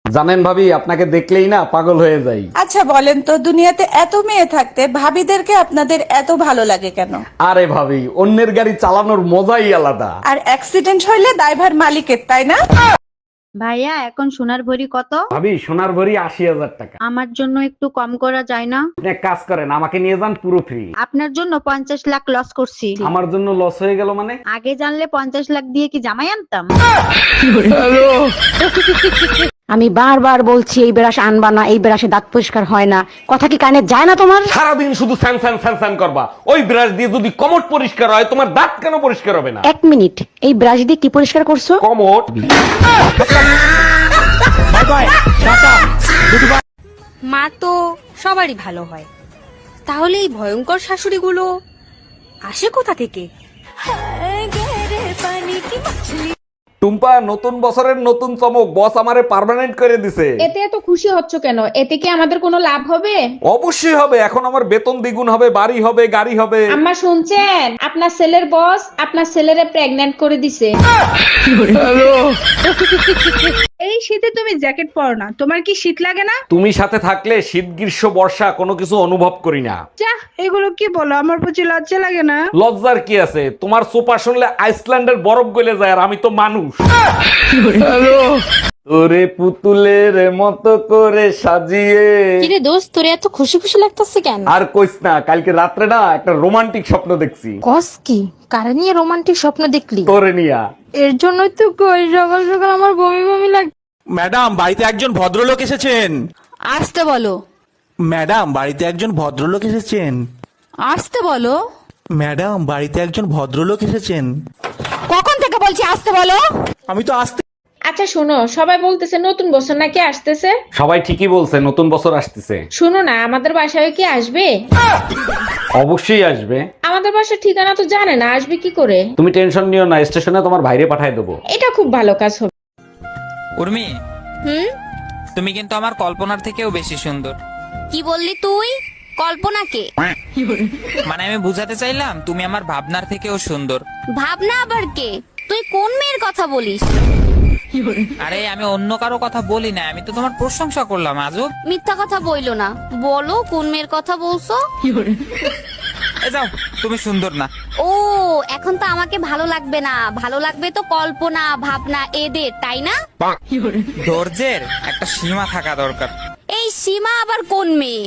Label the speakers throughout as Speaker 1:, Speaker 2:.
Speaker 1: জানেন ভাবি, আপনাকে দেখলেই না পাগল হয়ে যাই।
Speaker 2: আচ্ছা বলেন তো, দুনিয়াতে এত মেয়ে থাকতে ভাবিদেরকে আপনাদের এত ভালো লাগে কেন?
Speaker 1: আরে ভাবি, অন্যের গাড়ি চালানোর মজাই আলাদা।
Speaker 2: আর অ্যাক্সিডেন্ট হইলে দায়ভার মালিকের, তাই না?
Speaker 3: ভাইয়া এখন সোনার ভরি কত?
Speaker 1: ভাবি, সোনার ভরি ৮০,০০০ টাকা।
Speaker 3: আমার জন্য একটু কম করা যায় না?
Speaker 1: আপনি এক কাজ করেন, আমাকে নিয়ে যান পুরো ফ্রি।
Speaker 3: আপনার জন্য 50 লাখ লস করছি।
Speaker 1: আমার জন্য লস হয়ে গেল মানে?
Speaker 3: আগে জানলে 50 লাখ দিয়ে কি জামাই আনতাম?
Speaker 4: আমি বারবার বলছি এই ব্রাশ আনবা না, এই ব্রাশে দাঁত পরিষ্কার হয় না, কথা কি কানে যায় না তোমার?
Speaker 1: সারাদিন শুধু স্যান স্যান স্যান স্যান করবা। ওই ব্রাশ দিয়ে যদি কমোড পরিষ্কার হয়, তোমার দাঁত কেন পরিষ্কার হবে না?
Speaker 4: 1 মিনিট, এই ব্রাশ দিয়ে কি পরিষ্কার করছো?
Speaker 1: কমোড।
Speaker 5: মা তো সবারই ভালো হয়, তাহলে এই ভয়ঙ্কর শাশুড়িগুলো আসে কোথা থেকে?
Speaker 1: টুম্পা, নতুন বছরের নতুন চমক, বস আমারে পার্মানেন্ট করে দিছে।
Speaker 6: এতে এত খুশি হচ্ছ কেন? এতে কি আমাদের কোনো লাভ হবে?
Speaker 1: অবশ্যই হবে, এখন আমার বেতন দ্বিগুণ হবে, বাড়ি হবে, গাড়ি হবে।
Speaker 6: আম্মা শুনছেন, আপনার ছেলের বস আপনার ছেলেরে প্রেগন্যান্ট করে দিছে।
Speaker 7: এই শীতে তুমি জ্যাকেট পরো না, তোমার কি শীত লাগে না?
Speaker 1: তুমি সাথে থাকলে শীত গ্রীষ্ম বর্ষা কোনো কিছু অনুভব করি না।
Speaker 7: যা, এগুলো কি বলো, আমার প্রতি লজ্জা লাগে না?
Speaker 1: লজ্জার কি আছে? তোমার সোপা শুনলে আইসল্যান্ডের বরফ গলে যায়, আর আমি তো মানুষ। তোরে পুতুলের মতো করে সাজিয়ে।
Speaker 8: কিরে দোস্ত, তোর এত খুশি খুশি লাগতেছে কেন?
Speaker 1: আর কইস না, কালকে রাত্রে না একটা রোমান্টিক স্বপ্ন দেখছি।
Speaker 8: কস কি? কারে নিয়ে রোমান্টিক স্বপ্ন দেখলি?
Speaker 1: তোরে নিয়া।
Speaker 8: এর জন্যই তো কই সকাল সকাল আমার বমি বমি লাগে।
Speaker 9: ম্যাডাম, বাড়িতে একজন ভদ্রলোক এসেছেন।
Speaker 5: আসতে বলো।
Speaker 9: ম্যাডাম, বাড়িতে একজন ভদ্রলোক এসেছেন।
Speaker 5: আসতে বলো।
Speaker 9: ম্যাডাম, বাড়িতে একজন ভদ্রলোক এসেছেন।
Speaker 5: কখন থেকে বলছি আসতে বলো?
Speaker 9: আমি তো আসতে।
Speaker 6: আচ্ছা শোনো, সবাই বলতেছে নতুন বছর নাকি আসতেছে।
Speaker 1: সবাই ঠিকই বলছে, নতুন বছর আসতেছে।
Speaker 6: শোনো না, আমাদের বাসায় কি আসবে?
Speaker 1: অবশ্যই আসবে।
Speaker 6: আমাদের বাসার ঠিকানা তো জানে না, আসবে কি করে?
Speaker 1: তুমি টেনশন নিও না, স্টেশনে তোমার ভাইরে পাঠায় দেবো।
Speaker 6: এটা খুব ভালো কাজ হবে।
Speaker 10: উর্মি, তুমি কিন্তু আমার কল্পনার থেকেও বেশি সুন্দর।
Speaker 5: কি বললি তুই? কল্পনাকে?
Speaker 10: মানে আমি বুঝাতে চাইলাম তুমি আমার ভাবনার থেকেও সুন্দর।
Speaker 5: ভাবনা আবার কে? তুই কোন মেয়ের কথা বলিস?
Speaker 10: আরে আমি অন্য কারো কথা বলি না, আমি তো তোমার প্রশংসা করলাম। আজব
Speaker 5: মিথ্যা কথা বইলো না, বলো কোন মেয়ের কথা বলছো?
Speaker 10: এ যাও, তুমি সুন্দর না।
Speaker 5: ও, এখন তো আমাকে ভালো লাগবে না, ভালো লাগবে তো কল্পনা ভাবনা এদের, তাই না?
Speaker 10: ধৈর্যের একটা সীমা থাকা দরকার।
Speaker 5: এই সীমা আবার কোন মেয়ে?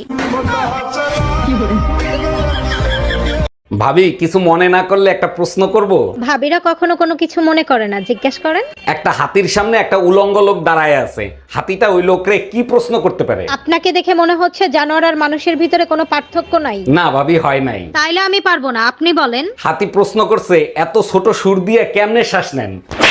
Speaker 1: ভাবি, কিছু মনে না করলে একটা প্রশ্ন করব?
Speaker 3: ভাবিরা কখনো কোনো কিছু মনে করে না, জিজ্ঞেস করেন।
Speaker 1: একটা হাতির সামনে একটা উলঙ্গ লোক দাঁড়ায় আছে, হাতিটা ওই লোকরে কি প্রশ্ন করতে পারে?
Speaker 3: আপনাকে দেখে মনে হচ্ছে জানোয়ার আর মানুষের ভিতরে কোনো পার্থক্য নাই।
Speaker 1: না ভাবি, হয় নাই।
Speaker 3: তাইলে আমি পারবো না, আপনি বলেন।
Speaker 1: হাতি প্রশ্ন করছে, এত ছোট সুর দিয়ে কেমনে শ্বাস নেন?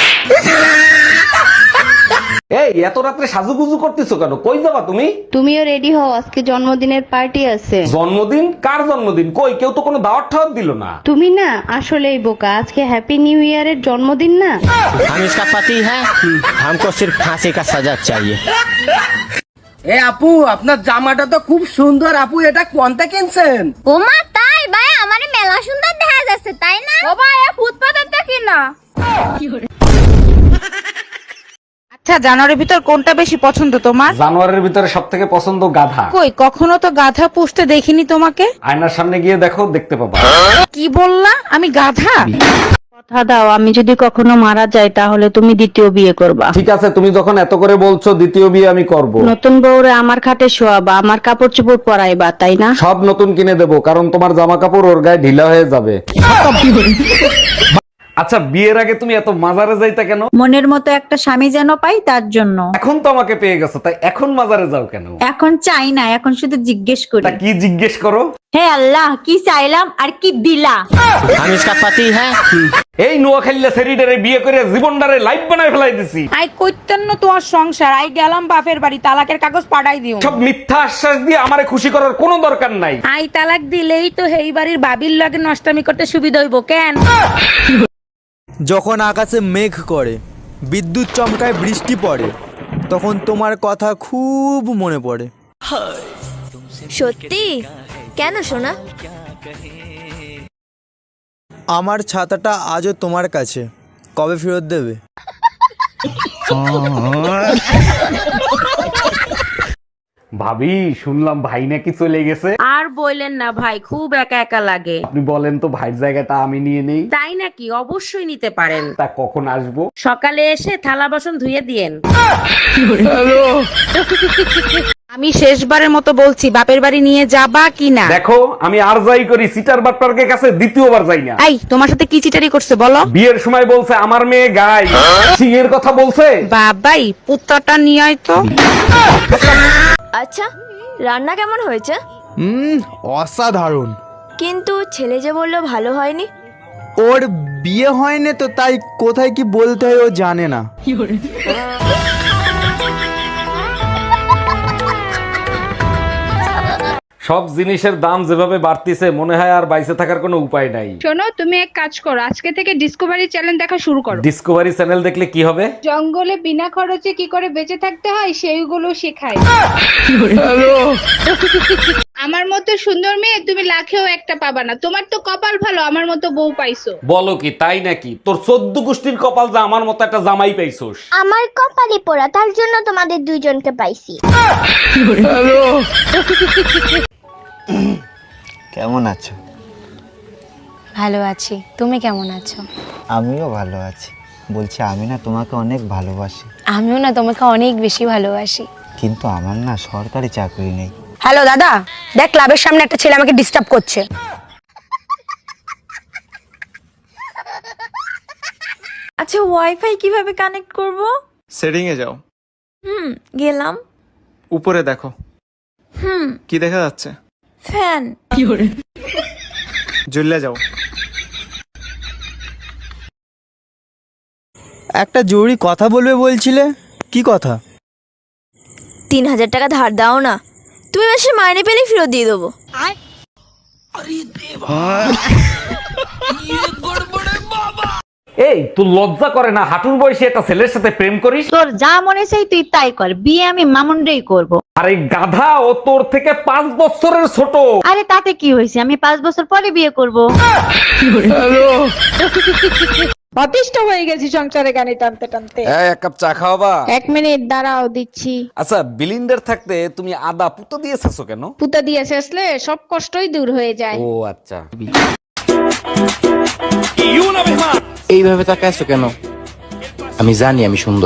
Speaker 1: এই এত রাত্রে সাজুগুজু করতেছো কেন? কই যাবা তুমি?
Speaker 3: তুমিও রেডি হও, আজকে জন্মদিনের পার্টি আছে।
Speaker 1: জন্মদিন? কার জন্মদিন? কই, কেউ তো কোনো দাওয়াত ঠাওয়াত দিল না।
Speaker 3: তুমি না আসলেই বোকা, আজকে হ্যাপি নিউ ইয়ারের জন্মদিন না।
Speaker 9: हम इसका पति है, हमको सिर्फ फांसी का सजा चाहिए।
Speaker 11: এ আপু, আপনার জামাটা তো খুব সুন্দর। আপু, এটা কোনটা কিনছেন?
Speaker 5: ওমা তাই ভাই, আমারে মেলা সুন্দর দেখা যাচ্ছে, তাই না? ও ভাই, ফুটপাতের দেখি না।
Speaker 2: আচ্ছা, জানোয়ারের ভিতর কোনটা বেশি পছন্দ তোমার?
Speaker 1: জানোয়ারের ভিতরে সব থেকে পছন্দ গাধা।
Speaker 2: কই, কখনো তো গাধা পুষতে দেখিনি তোমাকে।
Speaker 1: আয়নার সামনে গিয়ে দেখো, দেখতে পাবা।
Speaker 2: কি বললা? আমি গাধা?
Speaker 3: কথা দাও, আমি যদি কখনো মারা যাই তাহলে তুমি দ্বিতীয় বিয়ে করবা।
Speaker 1: ঠিক আছে, তুমি যখন এত করে বলছো, দ্বিতীয় বিয়ে আমি করব।
Speaker 3: নতুন বউরে আমার খাটে শোয়াবা, আমার কাপড় চোপড় পরাইবা, তাই না?
Speaker 1: সব নতুন কিনে দেবো, কারণ তোমার জামা কাপড় ওর গায়ে ঢিলা হয়ে যাবে। আচ্ছা, বিয়ের আগে তুমি এত মাজারে যাইতা কেন?
Speaker 3: মনের মতো একটা স্বামী যেন পাই, তার জন্য।
Speaker 1: এখন তো আমাকে পেয়ে গেছো, তাই এখন মাজারে যাও কেন?
Speaker 3: এখন চাই না, এখন শুধু জিজ্ঞেস করি।
Speaker 1: তা কি জিজ্ঞেস করো?
Speaker 3: হে আল্লাহ, কি চাইলাম আর কি দিলা?
Speaker 9: हम इसका पति है।
Speaker 1: এই নোয়াখালীলা সেরিডারে বিয়ে করে জীবনটারে লাইফ বানায় ফেলাই দিছি।
Speaker 2: আই কইতেন না তোমার সংসার, আই গেলাম বাপের বাড়ি, তালাকের কাগজ পাঠাই দিও।
Speaker 1: সব মিথ্যা আশ্বাস দিয়ে আমারে খুশি করার কোনো দরকার নাই।
Speaker 2: আই তালাক দিলেই তো হেই বাড়ির বাবির লগে নষ্টামি করতে সুবিধা হইব কেন?
Speaker 11: যখন আকাশে মেঘ করে, বিদ্যুৎ চমকায়, বৃষ্টি পড়ে, তখন তোমার কথা খুব মনে পড়ে।
Speaker 5: সত্যি? কেন সোনা?
Speaker 11: আমার ছাতাটা আজও তোমার কাছে, কবে ফেরত দেবে?
Speaker 1: ভাবি শুনলাম ভাই নাকি চলে গেছে।
Speaker 4: আর বললেন না ভাই, খুব একা একা লাগে।
Speaker 1: আপনি বলেন তো ভাইয়ের জায়গাটা আমি নিয়ে নেই।
Speaker 4: তাই নাকি? অবশ্যই নিতে পারেন।
Speaker 1: তা কখন আসবো?
Speaker 4: সকালে এসে থালা বাসন ধুয়ে দিয়েন। আমি শেষবারের মতো বলছি, বাপের বাড়ি নিয়ে যাবা কি না?
Speaker 1: দেখো আমি আর যাই করি সিটার বাটপারকে কাছে দ্বিতীয়বার যাই না।
Speaker 4: এই, তোমার সাথে কি চিটারি করছে বলো?
Speaker 1: বিয়ের সময় বলছে আমার মেয়ে গাই, সিংহের কথা বলছে।
Speaker 4: বাবাই, পুত্রটা নিয়ে আয় তো।
Speaker 8: আচ্ছা, রান্না কেমন হয়েছে?
Speaker 11: অসাধারণ।
Speaker 8: কিন্তু ছেলে যে বললো ভালো হয়নি।
Speaker 11: ওর বিয়ে হয়নি তো, তাই কোথায় কি বলতে হয় ও জানে না।
Speaker 1: সব জিনিসের দাম যেভাবে বাড়তিছে মনে হয় আর বাইসে থাকার কোনো উপায় নাই।
Speaker 7: শোনো, তুমি এক কাজ করো, আজকে থেকে ডিসকভারি চ্যানেল দেখা শুরু করো।
Speaker 1: ডিসকভারি চ্যানেল দেখলে কি হবে?
Speaker 7: জঙ্গলে বিনা খরচে কি করে বেঁচে থাকতে হয় সেইগুলো শেখায়। আমার মতো সুন্দর মেয়ে তুমি লাখেও একটা পাবা না। তোমার তো কপাল ভালো, আমার মতো বউ পাইছো।
Speaker 1: বলো কি তাই নাকি? তোর 14 গোষ্ঠীর কপাল যা আমার মতো একটা জামাই পাইছোস।
Speaker 8: আমার কপালে পোড়া, তার জন্য তোমাদের দুইজনকে পাইছি।
Speaker 9: কেমন আছো?
Speaker 5: ভালো আছি, তুমি কেমন আছো?
Speaker 9: আমিও ভালো আছি। বলছি আমি না তোমাকে অনেক ভালোবাসি,
Speaker 5: আমিও না তোমাকে অনেক বেশি ভালোবাসি।
Speaker 9: কিন্তু আমার না সরকারি চাকরি নেই।
Speaker 4: হ্যালো দাদা, দেখ ক্লাবের সামনে একটা ছেলে আমাকে ডিস্টার্ব করছে।
Speaker 8: আচ্ছা, ওয়াইফাই কিভাবে কানেক্ট করব?
Speaker 12: সেটিং এ যাও।
Speaker 8: গেলাম।
Speaker 12: উপরে দেখো। কি দেখা যাচ্ছে?
Speaker 8: ফ্যান।
Speaker 12: জ্বলে যাও।
Speaker 11: একটা জরুরি কথা বলবে বলছিলে, কি কথা?
Speaker 8: 3000 টাকা ধার দাও না, তুমি মাসে মাইনে পেলে ফেরত দিয়ে দেবো।
Speaker 1: এই তোর লজ্জা করে না হাঁটুর বয়সে একটা ছেলের সাথে প্রেম করিস?
Speaker 3: তোর যা মনে চাই তুই তাই কর, বিয়ে আমি মামুনরেই করব।
Speaker 1: আরে গাধা, ও তোর থেকে 5 বছরের ছোট।
Speaker 3: আরে তাতে কি হয়েছে, আমি 5 বছর পরে বিয়ে করব।
Speaker 6: অতিষ্ঠ হয়ে গেছি সংসারে গানি টানতে টানতে।
Speaker 1: এক কাপ চা খাওয়াবা?
Speaker 6: 1 মিনিট দাঁড়াও, দিচ্ছি।
Speaker 1: আচ্ছা, বিলিন্ডার থাকতে তুমি আদা পুতো দিয়েছো কেন?
Speaker 6: পুতা দিয়ে শেষলে সব কষ্টই দূর হয়ে যায়।
Speaker 1: ও আচ্ছা।
Speaker 9: এইভাবে তাকাইছো কেন? আমি জানি আমি সুন্দর।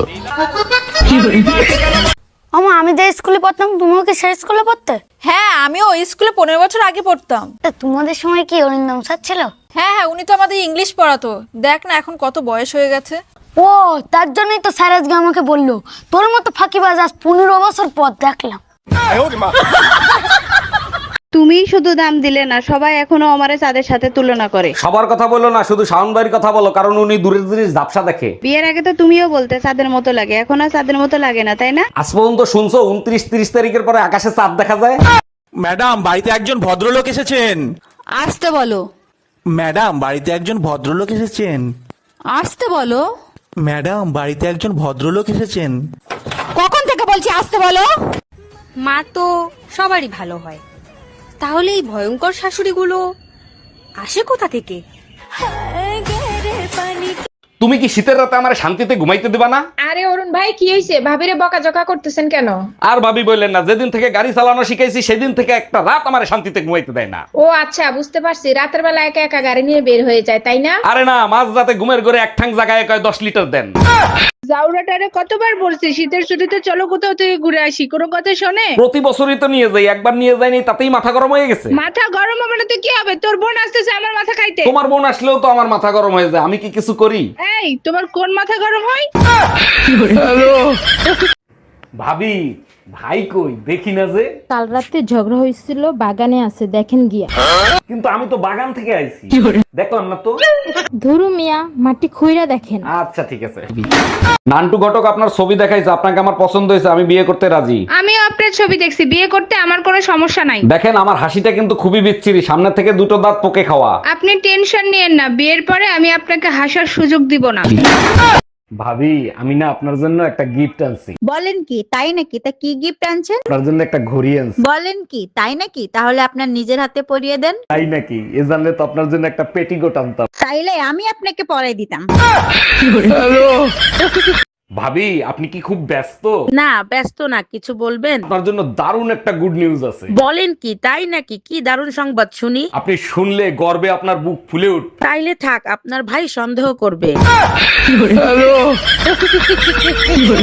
Speaker 8: আমি যে স্কুলে পড়তাম, তুমিও কি সেই স্কুলে পড়তে?
Speaker 6: হ্যাঁ, আমিও ওই স্কুলে 15 বছর আগে পড়তাম।
Speaker 8: তোমাদের সময় কি অরিন্দম স্যার ছিল?
Speaker 6: হ্যাঁ, উনি তো আমাদের ইংলিশ পড়াতো। দেখ না এখন কত বয়স হয়ে গেছে।
Speaker 8: ও, তার জন্যই তো স্যার আজকে আমাকে বললো তোর মতো ফাঁকিবাজ আজ 15 বছর পর দেখলাম।
Speaker 2: তুমিই শুধু দাম দিলে না, সবাই এখনো আমারে চাঁদের সাথে তুলনা করে।
Speaker 1: সবার কথা বলো না, শুধু শাওন ভাইয়ের কথা বলো, কারণ উনি দূরের জিনিস ঝাপসা দেখে।
Speaker 2: বিয়ের আগে তো তুমিও বলতে চাঁদের মতো লাগে, এখন আর চাঁদের মতো লাগে না, তাই না?
Speaker 1: আজ পর্যন্ত শুনছো 29-30 তারিখের পরে আকাশে চাঁদ দেখা যায়?
Speaker 12: ম্যাডাম, বাড়িতে একজন ভদ্রলোক এসেছেন।
Speaker 2: আসতে বলো।
Speaker 12: ম্যাডাম, বাড়িতে একজন ভদ্রলোক এসেছেন।
Speaker 2: আসতে বলো।
Speaker 12: ম্যাডাম, বাড়িতে একজন ভদ্রলোক এসেছেন।
Speaker 2: কখন থেকে বলছি আসতে বলো?
Speaker 5: মা তো সবারই ভালো হয়, তাহলে এই ভয়ঙ্কর শাশুড়িগুলো আসে কোথা থেকে?
Speaker 1: তুমি কি শীতের রাতে আমার শান্তিতে ঘুমাইতে দিবা না?
Speaker 6: আরে অরুণ ভাই, কি হয়েছে? ভাবিরে বকাঝকা করতেছেন কেন?
Speaker 1: আর ভাবি বললেন না, যেদিন থেকে গাড়ি চালানো শিখাইছি সেদিন থেকে একটা রাত আমার শান্তিতে ঘুমাইতে দেয় না।
Speaker 6: ও আচ্ছা, বুঝতে পারছি। রাতের বেলা একা একা গাড়ি নিয়ে বের হয়ে যায়, তাই না?
Speaker 1: আরে না, মাঝ রাতে ঘুমের ঘরে এক ঠাং জায়গায় কয় 10 লিটার দেন।
Speaker 7: জাউরাটারে কতবার বলছি শীতের ছুটিতে চলো কোথাও থেকে ঘুরে আসি, কোনো কথা শোনে?
Speaker 1: প্রতি বছরই তো নিয়ে যাই, একবার নিয়ে যাইনি তাতেই মাথা গরম হয়ে গেছে।
Speaker 7: মাথা গরম হবে না তো কি হবে? তোর বোন আসতেছে আমার মাথা খাইতে।
Speaker 1: তোমার বোন আসলেও তো আমার মাথা গরম হয়ে যায়, আমি কি কিছু করি?
Speaker 7: এই, তোমার কোন মাথা গরম হয়?
Speaker 1: ভাবি, ভাই কই দেখি না যে?
Speaker 8: কাল রাতে ঝগড়া হয়েছিল, বাগানে আছে, দেখেন গিয়া।
Speaker 1: কিন্তু আমি তো বাগান থেকে আইছি, দেখলাম না তো।
Speaker 8: ধরু মিয়া, মাটি খুইরা দেখেন।
Speaker 1: আচ্ছা ঠিক আছে। নান্টু ঘটক আপনার ছবি দেখাইছে, আপনাকে আমার পছন্দ হয়েছে, আমি বিয়ে করতে রাজি।
Speaker 7: আমিও আপনার ছবি দেখছি, বিয়ে করতে আমার কোনো সমস্যা নাই।
Speaker 1: দেখেন আমার হাসিটা কিন্তু খুবই বিচ্ছিরি, সামনে থেকে 2টো দাঁত পোকে খাওয়া।
Speaker 7: আপনি টেনশন নিয়েন না, বিয়ের পরে আমি আপনাকে হাসার সুযোগ দিব না।
Speaker 1: ভাবি, আমি না আপনার জন্য একটা গিফট আনছি।
Speaker 2: বলেন কি, তাই নাকি? তা কি গিফট আনছেন?
Speaker 1: আপনার জন্য একটা ঘড়ি আনছি।
Speaker 2: বলেন কি, তাই নাকি? তাহলে আপনার নিজের হাতে পরিয়ে দেন।
Speaker 1: তাই নাকি? এ জানলে তো আপনার জন্য একটা পেটিকোট আনতাম।
Speaker 2: তাইলে আমি আপনাকে পরাই দিতাম।
Speaker 1: ভাবি আপনি কি খুব ব্যস্ত?
Speaker 13: না ব্যস্ত না, কিছু বলবেন?
Speaker 1: আপনার জন্য দারুণ একটা গুড নিউজ আছে।
Speaker 13: বলেন কি, তাই নাকি? কি দারুণ সংবাদ শুনি।
Speaker 1: আপনি শুনলে গর্বে আপনার বুক ফুলে উঠবে।
Speaker 13: তাইলে থাক, আপনার ভাই সন্দেহ করবে।